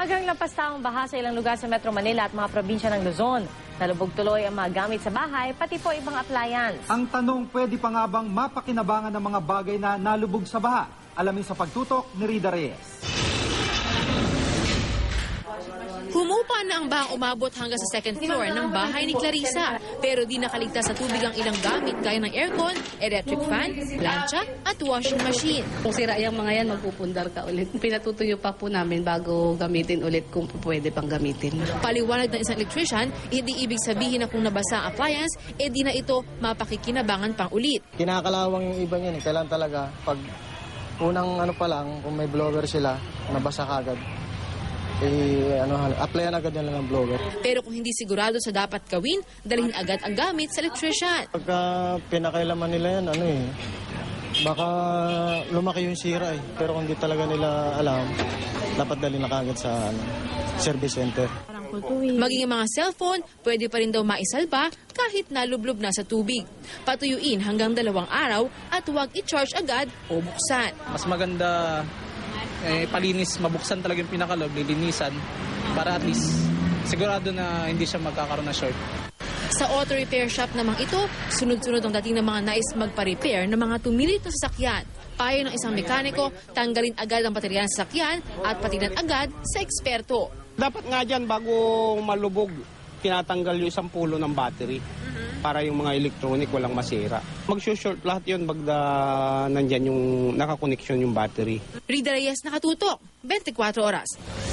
Maagang lampastaong baha sa ilang lugar sa Metro Manila at mga probinsya ng Luzon. Nalubog tuloy ang mga gamit sa bahay, pati po ibang appliance. Ang tanong, pwede pa nga bang mapakinabangan ng mga bagay na nalubog sa baha? Alamin sa pagtutok ni Rida Reyes. Humupa na ang bahang umabot hanggang sa second floor ng bahay ni Clarissa. Pero di nakaligtas sa tubig ang ilang gamit gaya ng aircon, electric fan, plancha at washing machine. Kung sira yung mga yan, magpupundar ka ulit. Pinatutuyo pa po namin bago gamitin ulit kung pwede pang gamitin. Paliwanag ng isang electrician, hindi ibig sabihin na kung nabasa ang appliance, di na ito mapakikinabangan pang ulit. Kinakalawang yung iba niyan. Kailan talaga, pag unang pa lang, kung may blower sila, nabasa kagad. Applyan agad yan lang ng blower. Pero kung hindi sigurado sa dapat gawin, dalhin agad ang gamit sa electrician. Pagka pinakailaman nila yan, baka lumaki yung sira eh. Pero kung hindi talaga nila alam, dapat dalhin na kagad sa service center. Maging ang mga cellphone, pwede pa rin daw maisalba kahit nalublob na sa tubig. Patuyuin hanggang 2 araw at huwag i-charge agad o buksan. Mas maganda palinis, mabuksan talaga yung pinakaloob, lilinisan para at least sigurado na hindi siya magkakaroon ng short. Sa auto repair shop namang ito, sunod-sunod ang dating ng mga nais magpa-repair ng mga tumilit na sasakyan. Payo ng isang mekaniko, tanggalin agad ang baterya ng sasakyan at patinan agad sa eksperto. Dapat nga dyan bago malubog, tinatanggal yung isang pulo ng battery para yung mga electronic walang masira. Mag-short lahat yun bagda nandyan yung nakakoneksyon yung battery. Rida Reyes, nakatutok, 24 oras.